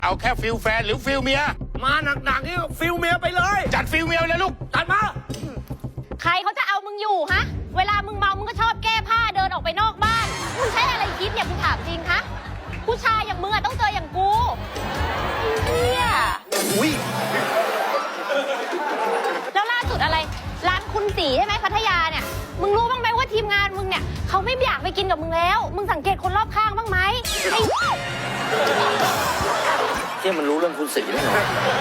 เอาแค่ฟิลแฟนหรือฟิลเมียมาหนักๆนี่ฟิลเมียไปเลยจัดฟิลเมียเลยลูกจัดมาใครเขาจะเอามึงอยู่ฮะเวลามึงเมามึงก็ชอบแก้ผ้าเดินออกไปนอกบ้านมึงใช้อะไรคิดเนี่ยกูถามจริงคะผู้ชายอย่างมึงอะต้องเจออย่างกูเฮียอุ้ยแล้วล่าสุดอะไรร้านคุณสีใช่ไหมพัทยาเนี่ยมึงรู้บ้างไหมว่าทีมงานมึงเนี่ยเขาไม่อยากไปกินกับมึงแล้วมึงสังเกตคนรอบข้างบ้างไหมไอ้ที่มันรู้เรื่องคุณสีได้ไง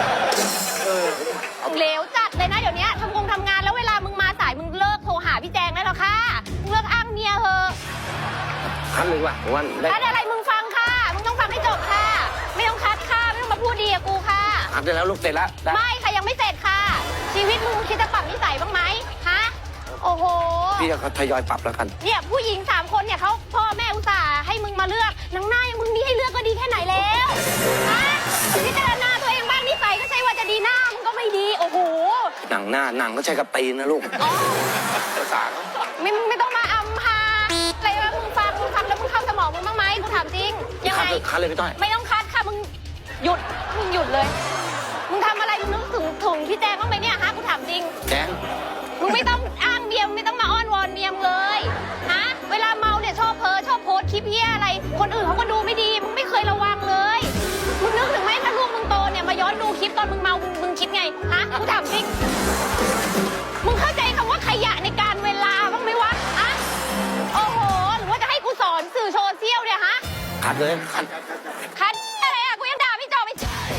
เหลวจัดเลยนะเดี๋ยวนี้ทำงานแล้วเวลามึงมาสายมึงเลิกโทรหาพี่แจงได้แล้วค่ะมึงเลิกอ้างเมียเถอะคันเลยว่ะวันได้คัดอะไรมึงฟังค่ะมึงต้องฟังให้จบค่ะไม่ต้องคัดค่ะไม่ต้องมาพูดดีกับกูค่ะคันได้แล้วลูกเสร็จแล้วได้ไม่ค่ะยังไม่เสร็จค่ะ ชีวิตมึงคิดจะปรับนิสัยบ้างไหมฮะโอ้โหพี่จะทยอยปรับแล้วกันเนี่ยผู้หญิง3 คนเนี่ยเขาพ่อแม่อุตส่าห์ให้มึงมาเลือกหนังหน้ายังมึงมีให้เลือกก็ดีแค่ไหนแล้วฮะพิจารณาตัวเองบ้างนิสัยก็ใช่ว่าจะดีหน้ามึงก็ไม่ดีโอ้โหหนังหน้าหนังก็ใช้กระตีนนะลูกอ๋อภาษาไม่ต้องมาอำพาอะไรวะมึงฟังแล้วมึงเข้าสมองมึงบ้างไหมกูถามจริงยังไงคันเลยพี่ต้อยไม่ต้องคัดค่ะมึงหยุดเลยมึงทำอะไรมึงนึกถึงพี่แจงบ้างไหมเนี่ยฮะกูถามจริงแจงมึงไม่ต้องอ้างเมียมึงไม่ต้องมาอ้อนวอนเมียมงเลยฮะเวลาเมาเนี่ยชอบโพสต์คลิปเหี้ยอะไรคนอื่นเขาก็ดูไม่ดีมึงไม่เคยระวังเลยมึงนึกถึงไหมถ้าลูกมึงโตเนี่ยมาย้อนดูคลิปตอนมึงเมามึงคิดไงฮะกูถามจริงมึงเข้าใจคำว่าขยะในการเวลาบ้างไหมวะฮะโอ้โหหรือว่าจะให้กูสอนสื่อโซเชียลเนี่ยฮะคัดเลยคัดคันอะไรอะกูยังด่าพี่จอไม่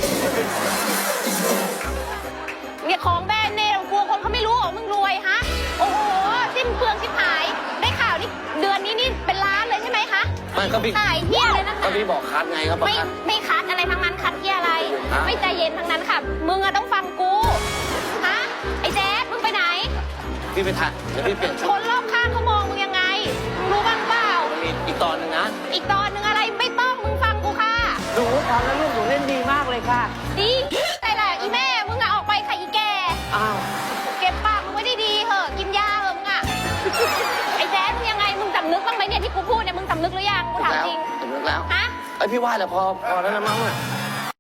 เนี่ยของแบรนด์เนมกลัวคนเขาไม่รู้เหรอมึงรวยฮะโอ้โหสิ้นเปลืองชิบหายได้ข่าวนี่เดือนนี้นี่เป็นล้านเลยใช่ไหมคะมันก็พี่ขายเที่ยเลยนะคะก็พี่บอกคัดไงครับบอกไม่คัดไม่คัดอะไรทั้งนั้นคัดเที่ยอะไรฮะไม่ใจเย็นทั้งนั้นค่ะมึงอะต้องฟังกูฮะไอ้แจ๊ดมึงไปไหนพี่ไปถ่ายเดี๋ยวพี่เปลี่ยนชุคดนรอบข้างเขามองมึงยังไงมึงรู้บ้างเปล่ามันมีอีกตอนหนึงนะอีกตอนหนึงอะไรไม่ต้องมึงฟังกูค่ะหนูตอนนั้นลูกหนูเล่นดีมากเลยค่ะดีแต่ละอีแม่มึงอะออกไปค่ะอีแกอ้าวเก็บปากมึงไว้ดีๆเหอะกินยาเหอะมึงอะไอ้แจ๊ดมึงยังไงมึงสำนึกบ้างไหมเนี่ยที่กูพูดเนี่ยมึงสำนึกหรือยังกูถามจริงสำนึกแล้วฮะไอยพี่ว่าแล้วพอแล้วนะมั้งอะ